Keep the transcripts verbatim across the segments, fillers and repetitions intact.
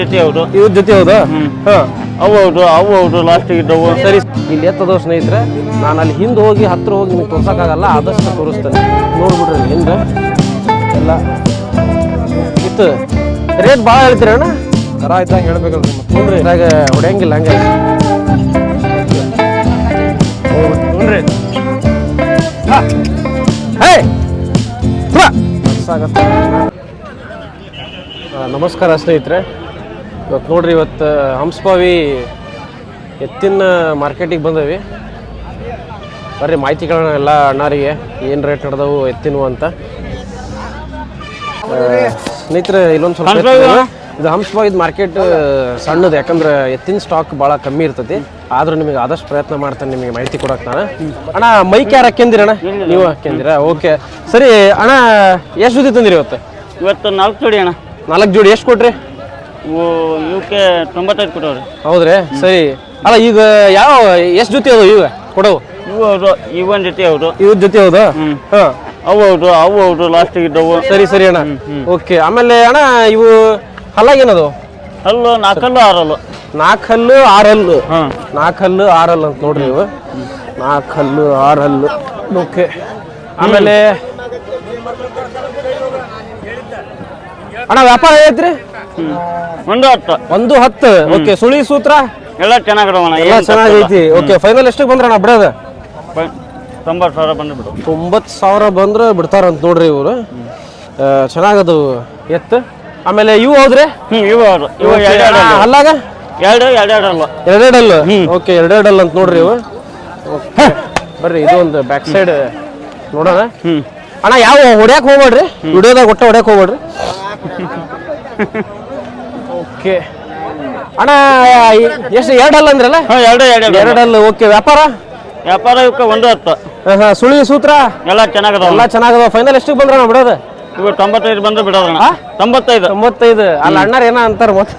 ಜೊತೆ ಹೌದು ಇವ್ರ ಜೊತೆ ಹೌದಾ? ಹಾ ಅವು ಹೌದು ಅವು ಹೌದು ಲಾಸ್ಟಿಗೆ ಇದ್ದವು. ಸರಿ, ಇಲ್ಲಿ ಎತ್ತದ ಸ್ನೇಹಿತರೆ, ನಾನು ಅಲ್ಲಿ ಹಿಂದೆ ಹೋಗಿ ಹತ್ರ ಹೋಗಿ ನಿಮಗೆ ತೋರ್ಸೋಕ್ಕಾಗಲ್ಲ, ಆದಷ್ಟು ತೋರಿಸ್ತೇನೆ. ನೋಡ್ಬಿಡ್ರಿ ಹಿಂದೆ ಎಲ್ಲ ಇತ್ತು. ರೇಟ್ ಭಾಳ ಹೇಳ್ತೀರಿ ಅಣ್ಣ? ಕರ ಆಯ್ತಾಗ ಹೇಳ್ಬೇಕಲ್ರಿ ಮತ್ತೆ. ನೋಡ್ರಿ ಇದ್ರಾಗ ಹೊಡೆಯಂಗಿಲ್ಲ ಹಂಗೆ. ನೋಡ್ರಿ ಹೇ ಸಾಗತ್ತೆ. ನಮಸ್ಕಾರ ಸ್ನೇಹಿತರೆ, ಇವತ್ತು ನೋಡ್ರಿ, ಇವತ್ತು ಹಂಸಭಾವಿ ಎತ್ತಿನ ಮಾರ್ಕೆಟಿಗೆ ಬಂದವಿ. ಬರ್ರಿ ಮಾಹಿತಿಗಳನ್ನ ಎಲ್ಲ ಅಣ್ಣಾರಿಗೆ ಏನು ರೇಟ್ ನಡೆದವು ಎತ್ತಿನವು ಅಂತ. ಸ್ನೇಹಿತರೆ ಇಲ್ಲೊಂದು ಸ್ವಲ್ಪ ಇದು ಹಂಸಭಾವಿದ ಮಾರ್ಕೆಟ್ ಸಣ್ಣದು, ಯಾಕಂದ್ರೆ ಎತ್ತಿನ ಸ್ಟಾಕ್ ಭಾಳ ಕಮ್ಮಿ ಇರ್ತೈತಿ. ಆದ್ರೂ ನಿಮಗೆ ಆದಷ್ಟು ಪ್ರಯತ್ನ ಮಾಡ್ತೇನೆ ನಿಮಗೆ ಮಾಹಿತಿ ಕೊಡಕ್ಕೆ ನಾನು. ಅಣ್ಣ ಮೈಕ್ ಯಾರು ಹಾಕ್ಯಂದಿರ ಅಣ್ಣ? ನೀವು ಹಾಕ್ಯಂದಿರಾ? ಓಕೆ ಸರಿ ಅಣ್ಣ, ಎಷ್ಟು ಜೊತೆ ತಂದಿರಿ ಇವತ್ತು? ಇವತ್ತು ನಾಲ್ಕು ಜೋಡಿ ಅಣ್ಣ. ನಾಲ್ಕು ಜೋಡಿ ಎಷ್ಟು ಕೊಟ್ರಿ? ಇವು ಇವಕ್ಕೆ ತೊಂಬತ್ತೈದು ಕೊಟ್ಟವ್ರಿ. ಹೌದ್ರಿ, ಸರಿ. ಅಲ್ಲ ಈಗ ಯಾವ ಎಷ್ಟು ಜೊತೆ ಅದಾವ ಈಗ ಕೊಡವು? ಇವು ಹೌದು, ಇವನ್ ಜೊತೆ ಹೌದು, ಇವ್ರ ಜೊತೆ ಹೌದಾ? ಹಾ ಅವು ಹೌದು ಅವು ಹೌದು ಲಾಸ್ಟಿಗೆ ಇದ್ದವು. ಸರಿ ಸರಿ ಅಣ್ಣ, ಓಕೆ. ಆಮೇಲೆ ಅಣ್ಣ ಇವು ಹಲ್ಲಾಗೇನದು? ಹಲ್ಲು ನಾಲ್ಕಲ್ಲು ಆರಲ್ಲು. ನಾಲ್ಕು ಹಲ್ಲು ಆರು ಹಲ್ಲು. ಹಾಂ, ನಾಲ್ಕು ಹಲ್ಲು ಆರು ಹಲ್ಲು ಅಂತ ನೋಡ್ರಿ ಇವು. ನಾಲ್ಕು ಹಲ್ಲು ಆರು ಹಲ್ಲು, ಓಕೆ. ಆಮೇಲೆ ಅಣ್ಣ ವ್ಯಾಪಾರ ಐತ್ರಿ? ಒಂದು ಹತ್ತು ಒಂದು ಹತ್ತು, ಓಕೆ. ಸುಳಿ ಸೂತ್ರ ಎಲ್ಲ ಚೆನ್ನಾಗಿಡವಣ, ಎಲ್ಲ ಚೆನ್ನಾಗೈತಿ. ಓಕೆ, ಫೈನಲ್ ಎಷ್ಟಕ್ಕೆ ಬಂದ್ರ ಅಣ್ಣ ಬಿಡೋದ? ತೊಂಬತ್ತು ಸಾವಿರ ಬಂದು ಬಿಡು. ತೊಂಬತ್ತು ಸಾವಿರ ಬಂದ್ರೆ ಬಿಡ್ತಾರಂತ ನೋಡ್ರಿ ಇವರು. ಚೆನ್ನಾಗದು ಎತ್ತು. ಆಮೇಲೆ ಇವು ಹೌದ್ರಿ? ಹ್ಞೂ ಇವು ಹೌದು, ಇವು ಎರಡು ಅಲ್ಲಾಗ ಎರಡು ಎರಡು ಅಲ್ಲ ಎರಡೆರಡಲ್ಲ. ಓಕೆ, ಎರಡೆರಡಲ್ಲ ಅಂತ ನೋಡ್ರಿ ಇವು. ಬರ್ರಿ ಇದು ಒಂದು ಬ್ಯಾಕ್ ಸೈಡ್ ನೋಡೋಣ. ಹ್ಞೂ ಅಣ್ಣ ಯಾವ ಹೊಡ್ಯಾಕ್ ಹೋಗ್ಬೇಡ್ರಿ, ವಿಡಿಯೋದಾಗ ಒಟ್ಟ ಹೊಡ್ಯಾಕ್ ಹೋಗ್ಬೇಡ್ರಿ. ಓಕೆ ಅಣ್ಣ, ಎಷ್ಟು ಎರಡಲ್ಲ ಅಂದ್ರಲ್ಲ? ಹಾಂ, ಎರಡು ಎರಡು ಎರಡಲ್ಲ. ಓಕೆ, ವ್ಯಾಪಾರ ವ್ಯಾಪಾರ ಇವಕ್ಕೆ ಒಂದು ಹತ್ತು. ಹಾಂ ಹಾಂ, ಸುಳಿ ಸೂತ್ರ ಎಲ್ಲ ಚೆನ್ನಾಗದ, ಎಲ್ಲ ಚೆನ್ನಾಗದ. ಫೈನಲ್ ಎಷ್ಟಕ್ಕೆ ಬಂದ್ರ ಅಣ್ಣ ಬಿಡೋದು? ಇವು ತೊಂಬತ್ತೈದು ಬಂದ್ರೆ ಬಿಡೋದಣ್ಣ. ತೊಂಬತ್ತೈದು ತೊಂಬತ್ತೈದು ಅಲ್ಲ ಅಣ್ಣಾರ ಏನ ಅಂತಾರ ಮತ್ತೆ.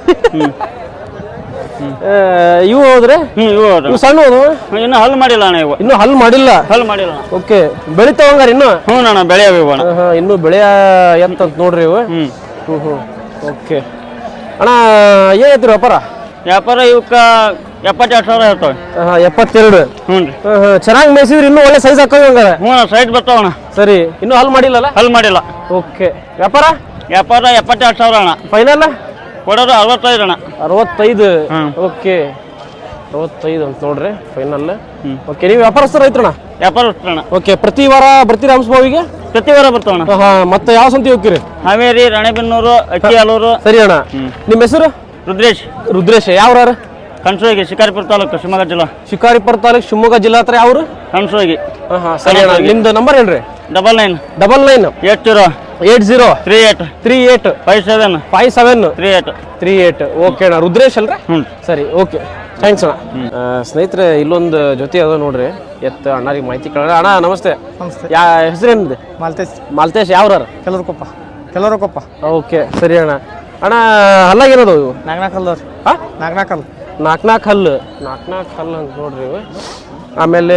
ಇವು ಹೋದ್ರೆ ಹ್ಞೂ ಇವು ಹೌದು, ಇವು ಸಣ್ಣ ಹೋದು, ಇನ್ನೂ ಹಲ್ ಮಾಡಿಲ್ಲ ಅಣ್ಣ. ಇವು ಇನ್ನು ಹಲ್ ಮಾಡಿಲ್ಲ. ಹಲ್ ಮಾಡಿಲ್ಲ. ಓಕೆ, ಬೆಳಿತಾವಂಗಾರ ಇನ್ನು? ಹ್ಞೂ ಅಣ್ಣ, ಬೆಳೆಯವು ಇವು ಅಣ್ಣ. ಹಾಂ, ಇನ್ನು ಬೆಳೆಯ ಎಂತ ನೋಡ್ರಿ ಇವು. ಹ್ಞೂ ಹ್ಞೂ ಹ್ಞೂ ಓಕೆ. ಅಣ್ಣ ಏನೈತ್ರಿ ವ್ಯಾಪಾರ? ವ್ಯಾಪಾರ ಇವಕ್ಕೆ ಎಪ್ಪತ್ತೆರಡು ಸಾವಿರ ಇರ್ತವೆ. ಹಾಂ, ಎಪ್ಪತ್ತೆರಡು. ಹ್ಞೂ ರೀ. ಹಾಂ ಹಾಂ, ಚೆನ್ನಾಗಿ ಮೇಯಿಸಿದ್ರಿ, ಇನ್ನೂ ಒಳ್ಳೆ ಸೈಜ್ ಹಾಕೋದು ಹಂಗಾರ? ಹ್ಞೂ ಸೈಟ್ ಬರ್ತಾವಣ್ಣ. ಸರಿ, ಇನ್ನೂ ಹಲ್ ಮಾಡಿಲ್ಲಲ್ಲ? ಹಲ್ ಮಾಡಿಲ್ಲ. ಓಕೆ, ವ್ಯಾಪಾರ ವ್ಯಾಪಾರ ಎಪ್ಪತ್ತೆರಡು ಸಾವಿರ ಅಣ್ಣ. ಫೈನಲ್ ಕೊಡೋದು ಅರವತ್ತೈದು ಅಣ್ಣ. ಅರವತ್ತೈದು. ಹ್ಮ್. ಓಕೆ, ಅರವತ್ತೈದು ಅಂತ ನೋಡ್ರಿ ಫೈನಲ್. ಹ್ಮ್. ಓಕೆ, ನೀವು ವ್ಯಾಪಾರಸ್ಥರು ಐತ್ರಣ್ಣ? ವ್ಯಾಪಾರ ಅಣ್ಣ. ಓಕೆ, ಪ್ರತಿ ವಾರ ಬರ್ತೀರಾ ಹಂಸಭಾವಿಗೆ? ಪ್ರತಿ ವಾರ ಬರ್ತಾವಣ್ಣ. ಹಾಂ, ಮತ್ತೆ ಯಾವ ಸಂತಿ ಹೋಗ್ತೀರಿ? ಹಾವೇರಿ, ರಾಣೆಬೆನ್ನೂರು, ಅಕ್ಕಿಹಾಲೂರು. ಸರಿ ಅಣ್ಣ. ನಿಮ್ಮ ಹೆಸರು? ರುದ್ರೇಶ್. ರುದ್ರೇಶ್. ಯಾವ್ರಾರು? ಕಣಸೋಗಿ, ಶಿಕಾರಿಪುರ ತಾಲೂಕು, ಶಿವಮೊಗ್ಗ ಜಿಲ್ಲಾ. ಶಿಕಾರಿಪುರ ತಾಲೂಕು, ಶಿವಮೊಗ್ಗ ಜಿಲ್ಲಾ ಹತ್ರ. ಯಾವ್ರು? ಕಣಸೋಗಿ. ಹಾಂ ಹಾಂ, ಸರಿ ಅಣ್ಣ. ನಿಮ್ದು ನಂಬರ್ ಹೇಳ್ರಿ. Double nine double nine eight zero eight zero three eight three eight five seven five seven three eight three eight okay ಅಣ್ಣ. ರುದ್ರೇಶ್ ಅಲ್ರಿ? ಹ್ಞೂ ಸರಿ, ಓಕೆ, ಥ್ಯಾಂಕ್ಸ್ ಅಣ್ಣ. ಸ್ನೇಹಿತರೆ ಇಲ್ಲೊಂದು ಜೊತೆ ಅದ ನೋಡ್ರಿ ಎತ್ತ ಅಣ್ಣರಿಗೆ ಮಾಹಿತಿ ಕೇಳೋಣ. ಅಣ್ಣ ನಮಸ್ತೆ. ನಮಸ್ತೆ. ಯಾ ಹೆಸರೇನಿದೆ? ಮಾಲ್ತೇಶ್. ಮಾಲ್ತೇಶ್. ಯಾವ್ರಾರ? ಕೆಲವರು ಕೊಪ್ಪ. ಕೆಲವರು ಕೊಪ್ಪ. ಓಕೆ, ಸರಿ ಅಣ್ಣ. ಅಣ್ಣ ಹಲ್ಲಾಗೇನದು ಇವು? ನಾಲ್ಕು ನಾಲ್ಕು ಹಲ್ಲು ರೀ. ಹಾಂ, ನಾಲ್ಕು ನಾಲ್ಕು ಹಲ್ಲು. ನಾಲ್ಕು ನಾಲ್ಕು ಹಲ್ಲು. ನಾಲ್ಕು ನಾಲ್ಕು ಹಲ್ಲು ಅಂತ ನೋಡ್ರಿ ಇವು. ಆಮೇಲೆ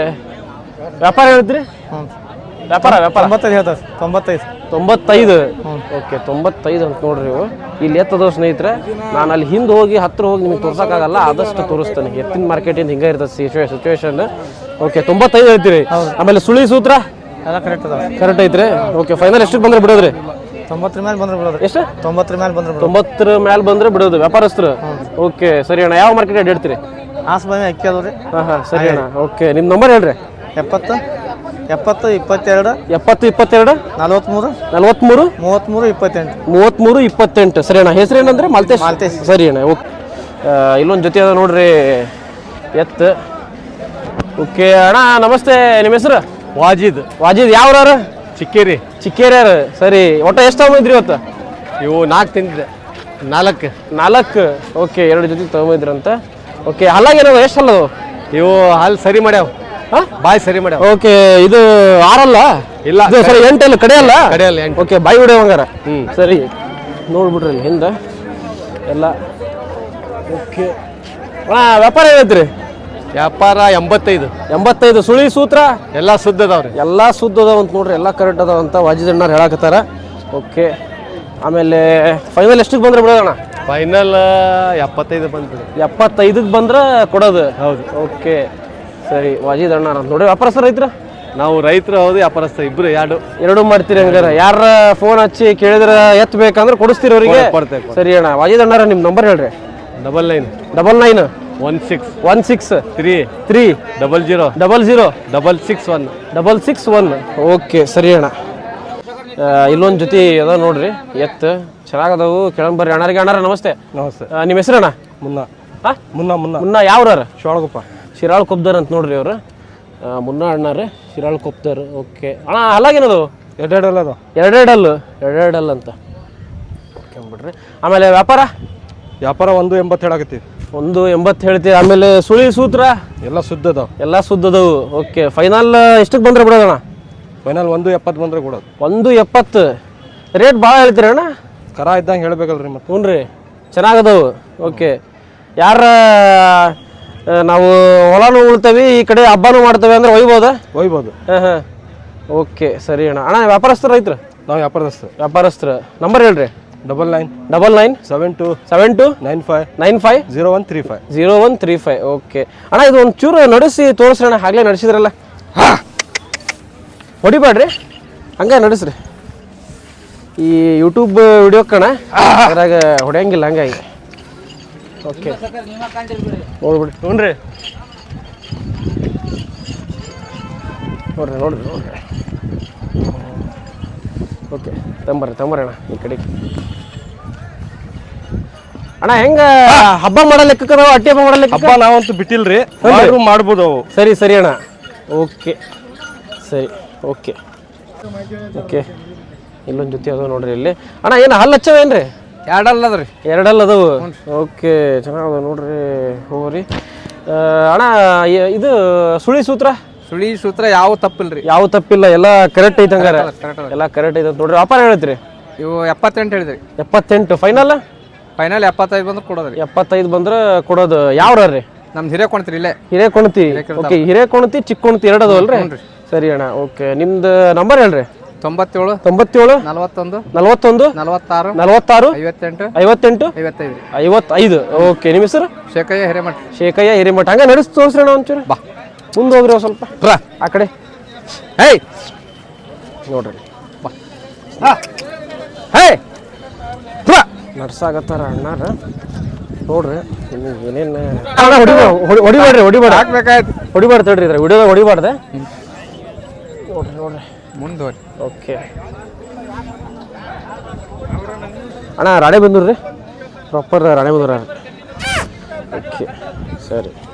ವ್ಯಾಪಾರ ಹೇಳಿದ್ರಿ? ಹ್ಞೂ, ವ್ಯಾಪಾರ ವ್ಯಾಪಾರ ತೊಂಬತ್ತೈದು ಹೇಳ್ತಾರೆ. ತೊಂಬತ್ತೈದು. ತೊಂಬತ್ತೈದು. ಓಕೆ, ತೊಂಬತ್ತೈದು ಅಂತ ನೋಡ್ರಿ ಇವು. ಇಲ್ಲಿ ಎತ್ತದವು ಸ್ನೇಹಿತರೆ, ನಾನು ಅಲ್ಲಿ ಹಿಂದೆ ಹೋಗಿ ಹತ್ರ ಹೋಗಿ ನಿಮಗೆ ತೋರ್ಸೋಕ್ಕಾಗಲ್ಲ, ಆದಷ್ಟು ತೋರಿಸ್ತೇನೆ. ಎತ್ತಿನ ಮಾರ್ಕೆಟಿಂದ ಹಿಂಗೆ ಇರ್ತದೆ ಸಿಚುವೇ ಸಿಚುವೇಶನ್. ಓಕೆ, ತೊಂಬತ್ತೈದು ಹೇಳ್ತೀರಿ. ಆಮೇಲೆ ಸುಳಿ ಸೂತ್ರ ಎಲ್ಲ ಕರೆಕ್ಟ್ ಅದಾವೆ. ಕರೆಕ್ಟ್ ಐತ್ರಿ. ಓಕೆ, ಫೈನಲ್ ಎಷ್ಟಕ್ಕೆ ಬಂದ್ರೆ ಬಿಡೋದ್ರಿ? ತೊಂಬತ್ತರ ಮೇಲೆ ಬಂದ್ರೆ ಬಿಡೋದು. ಎಷ್ಟು? ತೊಂಬತ್ತರ ಮೇಲೆ ಬಂದ್ರೆ ಬಿಡೋದು. ತೊಂಬತ್ತರ ಮೇಲೆ ಬಂದ್ರೆ ಬಿಡೋದು ವ್ಯಾಪಾರಸ್ಥರು. ಓಕೆ, ಸರಿ ಅಣ್ಣ. ಯಾವ ಮಾರ್ಕೆಟ್ ಅಡ್ಡ ಹೇಳ್ತೀರಿ? ಹಾಸನ ಅಕ್ಕಿ ಅದಾವೆ ರೀ. ಹಾಂ ಹಾಂ, ಸರಿ ಅಣ್ಣ. ಓಕೆ, ನಿಮ್ಮ ನಂಬರ್ ಹೇಳ್ರಿ. ಎಪ್ಪತ್ತು ಎಪ್ಪತ್ತು ಇಪ್ಪತ್ತೆರಡು ಎಪ್ಪತ್ತು ಇಪ್ಪತ್ತೆರಡು ನಲ್ವತ್ತ್ಮೂರು ನಲ್ವತ್ತ್ಮೂರು ಮೂವತ್ತ್ಮೂರು ಇಪ್ಪತ್ತೆಂಟು ಮೂವತ್ತ್ಮೂರು ಇಪ್ಪತ್ತೆಂಟು. ಸರಿ ಅಣ್ಣ. ಹೆಸರು ಏನಂದ್ರೆ? ಮಾಲ್ತೇಶ್. ಮಾಲ್ತೇಶ್. ಸರಿ ಅಣ್ಣ. ಓಕೆ, ಇಲ್ಲೊಂದು ಜೊತೆ ಅದ ನೋಡ್ರಿ ಎತ್ತು. ಓಕೆ ಅಣ್ಣ ನಮಸ್ತೆ. ನಿಮ್ಮ ಹೆಸರು? ವಾಜಿದ್. ವಾಜಿದ್. ಯಾವ್ರಾರು? ಚಿಕ್ಕೇರಿ. ಚಿಕ್ಕೇರಿಯಾರು. ಸರಿ, ಒಟ್ಟು ಎಷ್ಟು ತಗೊಂಡಿದ್ರಿ ಇವತ್ತು? ಇವು ನಾಲ್ಕು ತಿಂದಿದೆ. ನಾಲ್ಕು ನಾಲ್ಕು. ಓಕೆ, ಎರಡು ಜೊತೆ ತಗೊಂಡಿದ್ರಂತ. ಓಕೆ, ಹಲ್ಲಾಗೇನವ? ಎಷ್ಟು ಹಲ್ಲದು ಇವು ಹಾಲು ಸರಿ ಮಾಡ್ಯಾವ. ಹಾಂ, ಬಾಯಿ ಸರಿ ಮಾಡ್ಯಾವ. ಓಕೆ, ಇದು ಆರಲ್ಲ? ಇಲ್ಲ, ಇದು ಸರಿ ಎಂಟಲ್ಲ, ಕಡೆಯಲ್ಲ? ಕಡೆಯಲ್ಲ, ಎಂಟು. ಓಕೆ, ಬಾಯಿ ಹೊಡೆಯವಂಗಾರ. ಹ್ಞೂ, ಸರಿ, ನೋಡ್ಬಿಡ್ರಿ ಇಲ್ಲಿ ಹಿಂದೆ ಎಲ್ಲ. ಓಕೆ ಅಣ್ಣ, ವ್ಯಾಪಾರ ಏನೈತ್ರಿ? ವ್ಯಾಪಾರ ಎಂಬತ್ತೈದು. ಎಂಬತ್ತೈದು. ಸುಳಿ ಸೂತ್ರ ಎಲ್ಲ ಶುದ್ಧ ಅದಾವ್ರಿ. ಎಲ್ಲ ಶುದ್ಧ ಅದಾವ ಅಂತ ನೋಡ್ರಿ, ಎಲ್ಲ ಕರೆಕ್ಟ್ ಅದಾವ ಅಂತ ವಾಜಿದಣ್ಣವ್ರು ಹೇಳಕತ್ತಾರ. ಓಕೆ, ಆಮೇಲೆ ಫೈನಲ್ ಎಷ್ಟಕ್ಕೆ ಬಂದ್ರೆ ಬಿಡೋದಣ್ಣ? ಫೈನಲ್ ಎಪ್ಪತ್ತೈದು ಬಂದ್ಬಿಡಿ. ಎಪ್ಪತ್ತೈದಕ್ಕೆ ಬಂದ್ರೆ ಕೊಡೋದು. ಹೌದು. ಓಕೆ ಸರಿ. ವಾಜಿದ್ ಅಣ್ಣ ನೋಡಿ ವ್ಯಾಪಾರಸ್ಥರು ರೈತರ. ನಾವು ರೈತರು ಹೌದು, ವ್ಯಾಪಾರಸ್ಥ ಇಬ್ರು ಎರಡು ಎರಡು ಮಾಡ್ತೀರಿ ಹಂಗಾರ. ಯಾರ ಫೋನ್ ಹಚ್ಚಿ ಕೇಳಿದ್ರೆ ಎತ್ ಬೇಕಂದ್ರೆ ಕೊಡಿಸ್ತೀರಿ ಅವರಿಗೆ. ಕೊಡ್ತೇವೆ. ಸರಿ ಅಣ್ಣ. ವಾಜಿದ್ ಅಣ್ಣಾರ ನಿಮ್ಮ ನಂಬರ್ ಹೇಳ್ರಿ. Double nine double nine one six one six three three double zero double zero double six one double six one. Okay ಸರಿ ಅಣ್ಣ. ಇಲ್ಲೊಂದು ಜೊತೆ ಅದ ನೋಡ್ರಿ ಎತ್ತು ಚೆನ್ನಾಗದವು. ಕೆಳಗೆ ಬರ್ರಿ ಅಣ್ಣರಿಗೆ. ಅಣ್ಣಾರ ನಮಸ್ತೆ. ನಮಸ್ತೆ. ನಿಮ್ಮ ಹೆಸರಣ್ಣ? ಮುನ್ನ ಹಾಂ ಮುನ್ನ ಮುನ್ನ ಮುನ್ನ ಯಾವ್ರಾರ? ಶಿರಾಳಕೊಪ್ಪ. ಶಿರಾಳ್ ಕೊಪ್ದಾರ ಅಂತ ನೋಡ್ರಿ ಅವ್ರು. ಮುನ್ನ ಅಣ್ಣಾರ ಶಿರಾಳ್ ಕೊಪ್ದಾರ. ಓಕೆ ಅಣ್ಣ ಅಲ್ಲಾಗೇನದು? ಎರಡೆರಡಲ್ಲ ಅದು ಎರಡೆರಡಲ್ಲು ಎರಡೆರಡಲ್ಲ ಅಂತ ಓಕೆ ಬಿಡ್ರಿ. ಆಮೇಲೆ ವ್ಯಾಪಾರ ವ್ಯಾಪಾರ ಒಂದು ಎಂಬತ್ತು ಹೇಳಾಕತ್ತೀವಿ. ಒಂದು ಎಂಬತ್ತು ಹೇಳ್ತೀವಿ. ಆಮೇಲೆ ಸುಳಿ ಸೂತ್ರ ಎಲ್ಲ ಸುದ್ದ ಅದಾವ. ಎಲ್ಲ ಸುದ್ದದವು. ಓಕೆ ಫೈನಲ್ ಎಷ್ಟಕ್ಕೆ ಬಂದ್ರೆ ಬಿಡೋದಣ್ಣ? ಫೈನಲ್ ಒಂದು ಎಪ್ಪತ್ತು ಬಂದ್ರೆ ಕೊಡೋದು. ಒಂದು ಎಪ್ಪತ್ತು ರೇಟ್ ಭಾಳ ಹೇಳ್ತೀರಿ ಅಣ್ಣ? ಕರ ಇದ್ದಂಗೆ ಹೇಳ್ಬೇಕಲ್ರಿ ಮತ್ತೆ. ಹ್ಞೂ ರೀ ಚೆನ್ನಾಗದವು. ಓಕೆ ಯಾರ ನಾವು ಹೊಲನೂ ಉಳ್ತೇವೆ ಈ ಕಡೆ ಹಬ್ಬನೂ ಮಾಡ್ತೇವೆ ಅಂದ್ರೆ ಒಯ್ಬೋದಾ? ಒಯ್ಬೋದು. ಹಾಂ ಹಾಂ ಓಕೆ ಸರಿ ಅಣ್ಣ. ಅಣ್ಣ ವ್ಯಾಪಾರಸ್ಥರು ರೈತರು? ನಾವು ವ್ಯಾಪಾರದಸ್ತು. ವ್ಯಾಪಾರಸ್ಥರು ನಂಬರ್ ಹೇಳ್ರಿ. Double nine double nine seven two seven two nine five nine five zero one three five zero one three five. Okay ಅಣ್ಣ ಇದು ಒಂದು ಚೂರು ನಡೆಸಿ ತೋರಿಸ್ರಣ್ಣ. ಆಗಲೇ ನಡೆಸಿದ್ರಲ್ಲ. ಹೊಡಿಬೇಡ್ರಿ ಹಂಗೆ ನಡೆಸ್ರಿ. ಈ ಯೂಟ್ಯೂಬ್ ವಿಡಿಯೋ ಕಣ ಅದ್ರಾಗ ಹೊಡೆಯಂಗಿಲ್ಲ ಹಂಗಾಗಿ. ಓಕೆ ನೋಡ್ಬಿಡಿ. ಹ್ಞೂ ರೀ ನೋಡ್ರಿ ನೋಡ್ರಿ ನೋಡ್ರಿ. ಓಕೆ ತಂಬರ್ರಿ ತಂಬರ್ರಿ ಅಣ್ಣ ಈ ಕಡೆಗೆ. ಅಣ್ಣ ಹೆಂಗ ಹಬ್ಬ ಮಾಡೋ ಲೆಕ್ಕಕ್ಕದಾವ? ಅಟ್ಟಿ ಹಬ್ಬ ಮಾಡೋ ಲೆಕ್ಕ? ಹಬ್ಬ ನಾವಂತೂ ಬಿಟ್ಟಿಲ್ರಿ, ಮಾಡ್ಬೋದು ಅವು. ಸರಿ ಸರಿ ಅಣ್ಣ. ಓಕೆ ಸರಿ ಓಕೆ ಓಕೆ. ಇಲ್ಲೊಂದು ಜೊತೆ ಅದಾವ ನೋಡ್ರಿ ಇಲ್ಲಿ. ಅಣ್ಣ ಏನು ಹಲ್ಲು ಹಚ್ಚವೇನ್ರಿ? ಎರಡಲ್ಲ ಅದ್ರಿ. ಎರಡಲ್ಲ ಅದಾವು. ಓಕೆ ಚೆನ್ನಾಗದ ನೋಡ್ರಿ. ಹೋಗ್ರಿ ಅಣ್ಣ. ಇದು ಸುಳಿ ಸೂತ್ರ ಸುಳಿ ಸೂತ್ರ ಯಾವ ತಪ್ಪಿಲ್ರಿ. ಯಾವ ತಪ್ಪಿಲ್ಲ, ಎಲ್ಲ ಕರೆಕ್ಟ್ ಐತೆ ಹಂಗಾರೆ. ಎಲ್ಲ ಕರೆಕ್ಟ್ ಐತೆ ನೋಡ್ರಿ. ವ್ಯಾಪಾರ ಹೇಳ್ತೀರಿ? ಇವು ಎಪ್ಪತ್ತೆಂಟು ಹೇಳಿದ್ರಿ. ಎಪ್ಪತ್ತೆಂಟು ಫೈನಲ್? ಫೈನಲ್ ಎಪ್ಪತ್ತೈದು ಬಂದ್ರೆ ಕೊಡೋದ್ರಿ. ಎಪ್ಪತ್ತೈದು ಬಂದ್ರೆ ಕೊಡೋದು. ಯಾವ್ರ ರೀ? ನಮ್ದು ಹಿರೇಕೊಣ್ತೀರಿ ಇಲ್ಲೇ. ಹಿರೇಕೊಣತಿ. ಓಕೆ ಹಿರೇಕೊಣತಿ ಚಿಕ್ಕೊಣತಿ ಎರಡು ಅದಾವಲ್ರಿ? ಸರಿ ಅಣ್ಣ. ಓಕೆ ನಿಮ್ದು ನಂಬರ್ ಹೇಳ್ರಿ. ತೊಂಬತ್ತೇಳು ತೊಂಬತ್ತೇಳು ನಲವತ್ತೊಂದು ನಲವತ್ತೊಂದು ನಲವತ್ತಾರು ನಲವತ್ತಾರು ಐವತ್ತೆಂಟು ಐವತ್ತೆಂಟು ಐವತ್ತೈದು ಐವತ್ತೈದು. ಓಕೆ ನಿಮ್ಮ ಹೆಸರು? ಶೇಖಯ್ಯ ಹಿರೇಮಠ. ಶೇಖಯ್ಯ ಹಿರೇಮಠ. ಹಂಗೆ ನಡೆಸಿ ತೋರಿಸ್ರಿ ಅಣ್ಣ ಒಂಚೂರು. ಬಾ ಮುಂದೆ ಹೋಗ್ರಿ ಒಂದು ಸ್ವಲ್ಪ ಆ ಕಡೆ. ಹೇಯ್ ನೋಡ್ರಿ ಬಾ. ಹೇ ನಡ್ಸಾಗತ್ತಾರ ಅಣ್ಣಾರ ನೋಡ್ರಿ. ಏನೇನು ಹೊಡಿಬೇಡ್ರಿ ಹೊಡಿಬೇಡ ಹಾಕ್ಬೇಕಾಯ್ತು. ಹೊಡಿಬಾರ್ದು ತಡ್ರಿ ಇದ್ರೆ ವಿಡಿಯೋದಾಗ ಹೊಡಿಬಾರ್ದೆ. ನೋಡ್ರಿ ನೋಡ್ರಿ ಮುಂದುವರಿ. ಓಕೆ ಅಣ್ಣ ರಾಣೆಬೆನ್ನೂರು ರೀ. ಪ್ರಾಪರ್ ರಾಣೆಬೆನ್ನೂರು. ಓಕೆ ಸರಿ.